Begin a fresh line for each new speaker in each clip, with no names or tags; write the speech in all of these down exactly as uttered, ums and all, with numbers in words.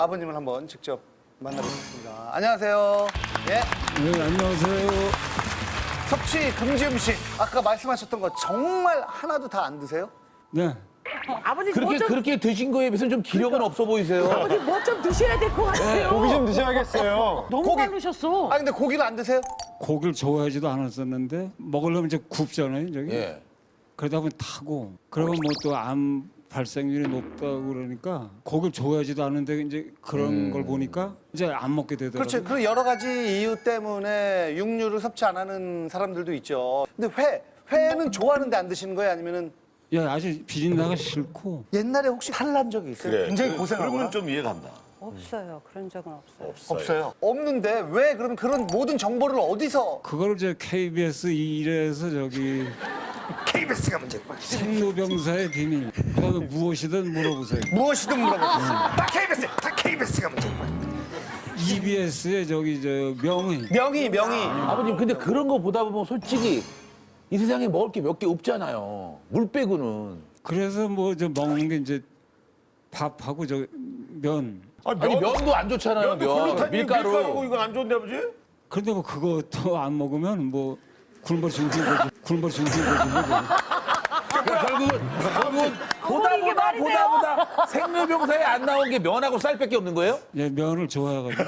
아버님을 한번 직접 만나보겠습니다. 안녕하세요. 예.
네, 안녕하세요.
섭취 금지 음식. 아까 말씀하셨던 거 정말 하나도 다 안 드세요?
네.
아버님
그렇게
뭐좀
그렇게 드신 거에 비해서 좀 기력은 없어 보이세요.
아버님 뭐 좀 드셔야 될 것 같아요.
고기 좀 드셔야겠어요.
너무
고기.
많으셨어.
아 근데 고기를 안 드세요?
고기를 좋아하지도 않았었는데 먹으려면 이제 굽잖아요, 저기.
예.
그러다 보면 타고 그러면 뭐 또 암 발생률이 높다고 그러니까 고기를 좋아하지도 않은데 이제 그런
음.
걸 보니까 이제 안 먹게 되더라고요.
그렇죠. 그 여러 가지 이유 때문에 육류를 섭취 안 하는 사람들도 있죠. 근데 회, 회는 좋아하는데 안 드시는 거예요? 아니면은
야, 아주 비린내가 싫고
옛날에 혹시 탈난 적이 있어요? 굉장히 고생하거나?
그러면 좀 이해간다.
없어요. 그런 적은 없어요.
없어요. 없는데 왜 그러면 그런 모든 정보를 어디서?
그걸 이제 케이비에스 일에서 저기
케이비에스가 문제고.
생로병사의 비밀. 그다음에 무엇이든 물어보세요.
무엇이든 물어보겠습니다. 다 케이비에스, 다 케이비에스가 문제고.
이비에스의 저기 저 명의.
명의, 명의.
아버님 근데 그런 거 보다 보면 솔직히 이 세상에 먹을 게 몇 개 없잖아요. 물 빼고는.
그래서 뭐 저 먹는 게 이제 밥하고 저 면.
아니 면도 안 좋잖아요. 면 밀가루.
밀가루고 이거 안 좋은데 아버지?
그런데 뭐 그것도 안 먹으면 뭐 굶어 죽는 거지. 굶어 죽는 거지.
그러니까 결국은 결국은 보다
이게
보다
말이
보다
돼요?
보다 생로병사에 안 나온 게 면하고 쌀밖에 없는 거예요?
예, 면을 좋아해가지고.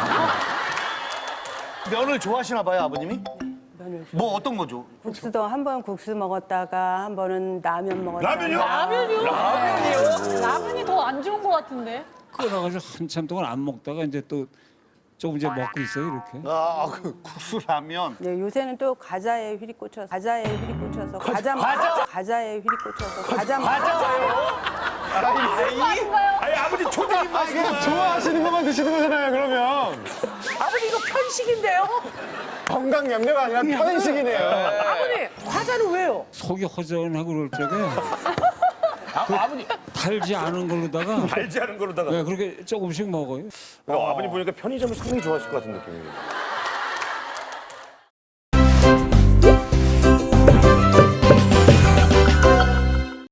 면을 좋아하시나 봐요, 아버님이?
면을
뭐 어떤 거죠?
국수도 한 번 국수 먹었다가 한 번은 라면 먹었다가
라면이요?
라면이요? 라면이요? 라면이 더 안 좋은 것 같은데.
끊어가지고 한참 동안 안 먹다가 이제 또 조금 이제 먹고 있어요, 이렇게.
아, 그 국수 라면.
네, 요새는 또 과자에 휘리 꽂혀서 과자에 휘리 꽂혀서 과자 과자 과자에 휘리 꽂혀서 과자
아니 아버지 초딩 맛이구만.
좋아하시는 것만 드시는 거잖아요, 그러면.
아버님 이거 편식인데요?
건강 염려가 아니라 편식이네요.
아버님 과자는 왜요?
속이 허전하고 그럴 적에
아, 아버님
달지 않은 걸로다가
알지 않은 거로다가.
네, 그렇게 조금씩 먹어요.
어, 아버님 보니까 편의점을 상당히 좋아하실 것 같은 느낌이에요.